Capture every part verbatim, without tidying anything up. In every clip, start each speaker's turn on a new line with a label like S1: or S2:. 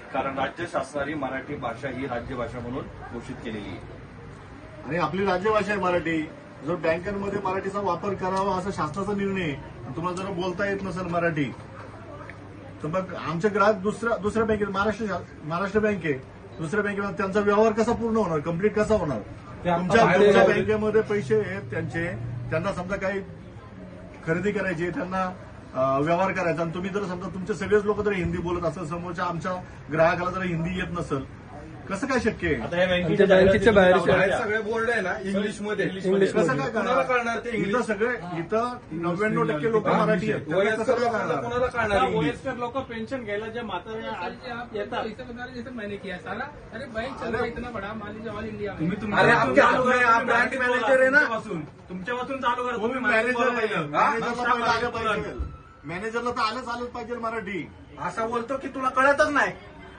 S1: कारण राज्य शासनाने मराठी भाषा ही राज्यभाषा म्हणून घोषित केलेली आहे
S2: आणि आपली राज्यभाषा आहे मराठी. जर बँकांमध्ये मराठीचा वापर करावा असा शासनाचा निर्णय आहे. तुम्हाला जर बोलता येत नसेल मराठी तर मग आमचे ग्राहक दुसऱ्या दुसऱ्या बँकेत महाराष्ट्र महाराष्ट्र बँक आहे दुसऱ्या बँकेमध्ये त्यांचा व्यवहार कसा पूर्ण होणार, कम्प्लीट कसा होणार? तुमच्या तुमच्या बँकेमध्ये पैसे आहेत त्यांचे, त्यांना समजा काही खरेदी करायची, त्यांना व्यवहार करायचा आणि तुम्ही जर समजा तुमचे सगळेच लोक जर हिंदी बोलत असेल, समोरच्या आमच्या ग्राहकाला जर हिंदी येत नसेल, कसं काय शक्य आहे?
S3: आता बँकेच्या बाहेर
S4: सगळे बोर्ड आहे ना इंग्लिशमध्ये,
S2: इंग्लिश कसं काय
S4: कोणाला कळणार ते?
S2: इथं सगळे इथं नव्याण्णव टक्के लोक मराठी आहेत, कसं काय कळणार?
S4: कोणाला कळणार?
S3: वयस्कर लोक पेन्शन घ्यायला जे म्हातारे येतात
S5: जैसे मैंने किया सारा, अरे बैंक चल रहा है इतना बड़ा, मान लीजिए ऑल इंडिया में.
S4: अरे आपके हाथ में आप ब्रांच मॅनेजर आहे ना,
S3: तुमच्यापासून चालू करा.
S2: तुम्ही मॅनेजर मॅनेजरला पहिलं आलं पाहिजे, मॅनेजरला तर आलंच आलंच पाहिजे मराठी.
S4: असा बोलतो की तुला कळतच नाही.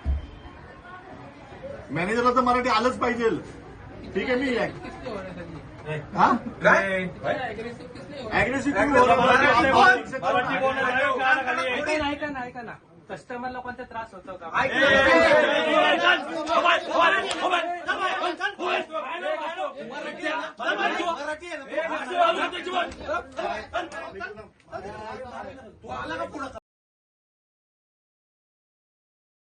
S2: मॅनेजरला तर मराठी आलंच पाहिजे. ठीक आहे, मी
S5: किसने हो रहा है सर ये?
S2: हा
S4: काय
S5: अग्रेसिव किसने हो रहा है?
S2: अग्रेसिव्ह
S3: ऐका ना ऐका ना कस्टमर लोकांचा त्रास होतो का?
S4: तू आला का पुढं?